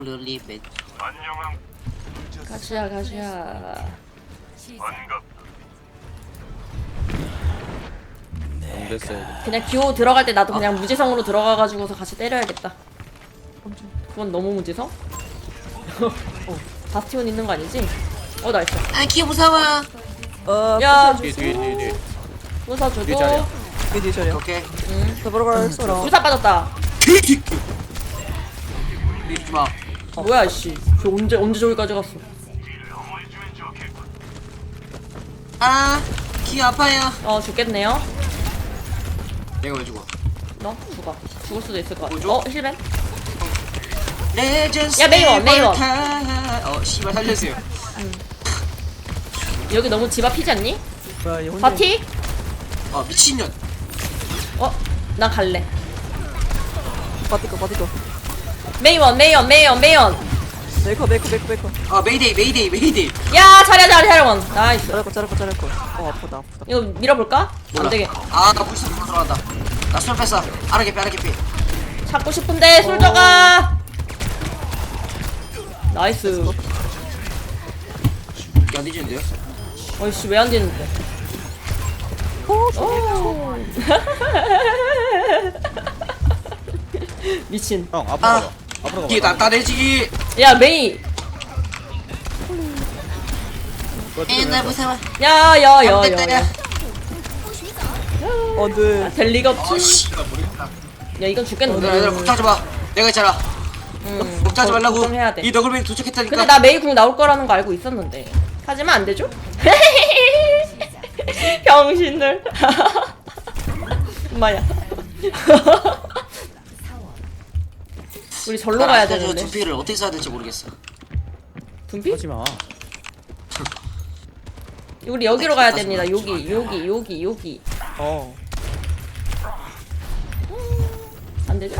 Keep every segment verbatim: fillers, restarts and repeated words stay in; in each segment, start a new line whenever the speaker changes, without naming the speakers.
룰리벤
가시야 가시야.
안 됐어요.
그냥 기호 들어갈 때 나도 그냥 무지성으로 들어가가지고서 같이 때려야겠다. 그건 너무 무지성? 어, 바스티온 있는 거 아니지? 어 나이스.
아 기어 무서워.
어,
야
뒤에 뒤에 뒤에 뒤에.
부숴주고.
뒤에 자리야.
뒤에 뒤에 저리야.
오케이
응.
더불어 갈수록.
불사 빠졌다.
밀지마.
뭐야 씨. 저 언제 언제 저기까지 갔어?
아 기어 아파요.
어 죽겠네요.
내가 왜 죽어?
너 죽어. 죽을 수도 있을 것 같아.
뭐죠?
어 힐벤?
레전드
야, 메이원, 메이원.
어 씨발 살려주세요.
여기 너무 집 앞이지 않니?
뭐야, 얘 혼자.
바티?
어 미친년.
어? 나 갈래.
바티커, 바티커.
메이원 메이원 메이원 메이원.
메이커, 메이커, 메이커, 메이커.
어 메이데이 메이데이 메이데이.
야 차려 차려 차려원. 나이스.
자랄 거, 자랄 거, 자랄 거. 어, 아프다, 아프다.
이거 밀어볼까? 안 되게.
아나 불쌍 들어간다. 나술 뺐어. 아르게 빼 아르게 빼.
찾고 싶은데 솔저가. 나이스.
안 뒤지는데요?
어이씨 왜 안 되는데? 오. 미친.
형 앞으로
아.
가봐. 앞으로
뒤에
가봐.
난따내지기.
야 메이.
에나 무서워.
야야야야.
어, 네.
될 리가
어
없지.
씨발 모르겠다.
야 이건 죽겠는데.
얘들아 얘들아 걱정하지 마. 내가 있잖아.
응.
걱정하지 말라고.
걱정해야 돼.
이 너굴맨 도착했다니까.
근데 나 메이 궁 나올 거라는 거 알고 있었는데. 하지만 안 되죠? 병신들. 엄마야. 우리 절로 가야
저
되는데.
두피를 어떻게 써야 될지 모르겠어.
분피?
하지 마.
우리 여기로 가야 됩니다. 여기, 여기, 여기, 여기.
어.
안 되죠?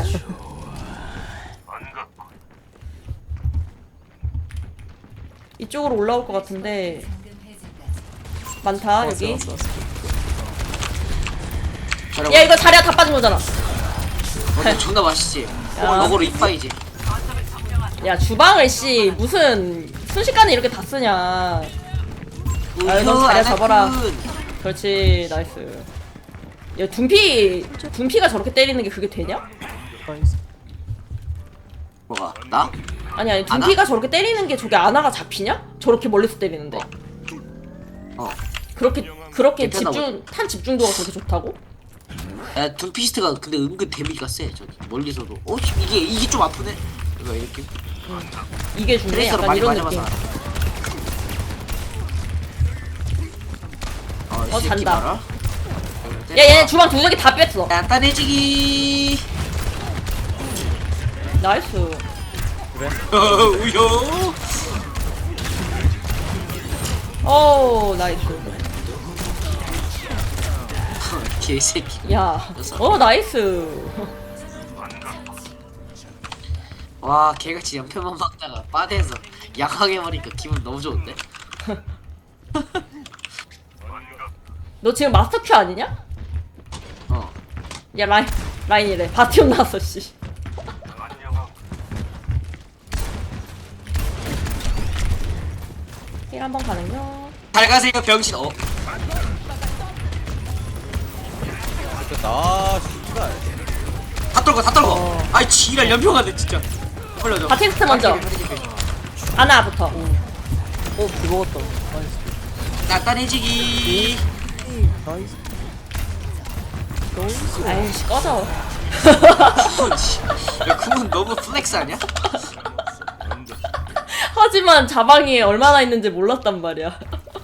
이쪽으로 올라올 것 같은데. 많다 여기.
왔어, 왔어.
잘하고.
야 이거 자리야 다 빠진 거잖아.
어, 존나 맛있지.
야.
어, 너구로 이파이지.
야 주방을 씨 무슨 순식간에 이렇게 다 쓰냐. 아유, 넌 자리야 잡아라. 그렇지 나이스. 야 둠피 둠피가 저렇게 때리는 게 그게 되냐?
나이스.
뭐가? 나?
아니 아니 둠피가 저렇게 때리는 게 저게 아나가 잡히냐? 저렇게 멀리서 때리는데.
어.
그렇게 그렇게
괜찮나
집중 탄 집중도가 그렇게 좋다고?
야, 둠피스트가 근데 은근 데미지가 세. 저기 멀리서도. 어, 이게 이게 좀 아프네. 이거 이렇게.
이게 중요해.
트레이서로
약간
많이
이런
맞아봐서
느낌.
알아. 어, 이
어,
새끼
잔다.
봐라.
야 얘네 주방 두 개다 뺐어.
간단해지기.
나이스.
어, 우요.
오 나이스.
개새끼.
야. 어 나이스.
와, 개같이 연편만 막다가 빠대서 약하게 버리니까 기분 너무 좋은데.
너 지금 마스터 큐 아니냐?
어.
야 라인 라인이래. 바티온 나왔어 씨. 힐 한번 가는요.
잘 가세요, 병신. 어.
됐다. 아 씨발.
다 떨고 다 떨고.
어.
아이 지랄 연평하네 진짜. 올려줘.
바티스트 먼저. 하나부터.
어, 죽었다. 나이스.
간단해지기.
나이스. 나이스.
아이씨 꺼져.
야, 그건 너무 플렉스 아니야?
하지만 자방이 얼마나 있는지 몰랐단 말이야.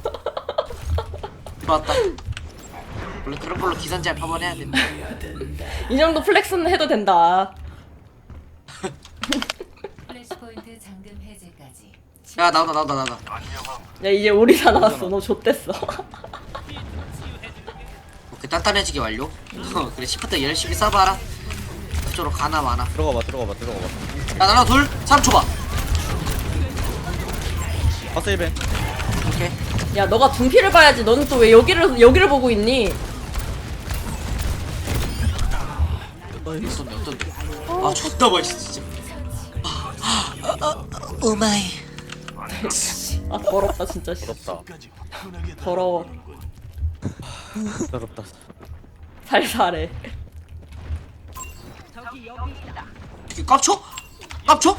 좋았다. 원래 그런 걸로 기선제압 한번 해야 된다.
이 정도 플렉스는 해도 된다.
플래시포인트 잠금 해제까지
야 나온다 나온다 나온다.
야 이제 우리 다 나왔어. 너 좆됐어.
오케이 단단해지기 완료. 어, 그래 시프트 열심히 써봐라. 그쪽으로 가나 마나.
들어가봐 들어가봐 들어가봐.
야 나랑 둘 삼 초 봐.
파스 일벤.
오케이.
야 너가 둔피를 봐야지. 너는 또 왜 여기를 여기를 보고 있니?
나이스.
어떤데 어떤데. 아 존나 맛있어 진짜. 오마이.
아 더럽다 진짜. 씨.
부럽다.
더러워.
부럽다.
살살해.
이게 깝쳐? 깝쳐?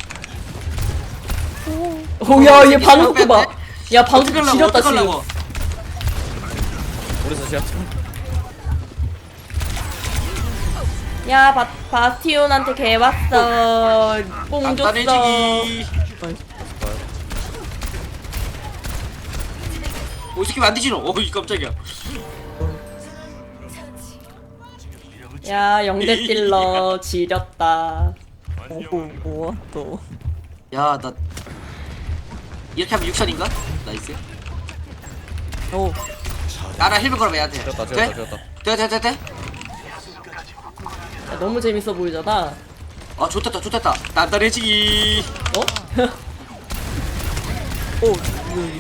오야 얘 방금 봐. 야 방금
어떡하려고
지렸다 지금.
어떡하려고.
우리서 시합.
야 바, 바티온한테 개 왔어. 뽕 줬어.
간단해지기. 오, 이 새끼 안 뒤지노? 오, 이 깜짝이야.
야 영대 딜러 지렸다.
오, 뭐야 또.
야, 나 이렇게 하면 육선인가? 나이스.
오,
나랑 힐백 걸어봐 얘한테.
지렸다,
돼?
지렸다, 지렸다.
돼, 돼, 돼, 돼?
야, 너무 재밌어 보이잖아.
아, 좋됐다, 좋됐다. 단단해지기.
어?
오, 여기.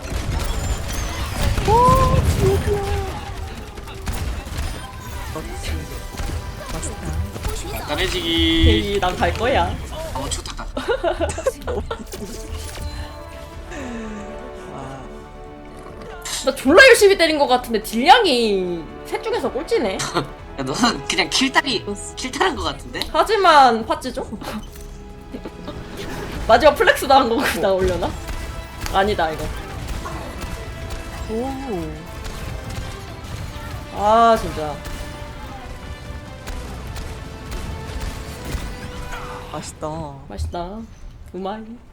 단단해지기.
헤이 난 갈 거야.
어, 좋됐다.
나 졸라 열심히 때린 것 같은데 딜량이 셋 중에서 꼴찌네.
야, 너는 그냥 킬다리, 킬탈한 것 같은데?
하지만 파츠죠? 마지막 플렉스 나온 거구나 올려나? 아니다 이거.
오,
아 진짜.
맛있다.
맛있다. 우마이.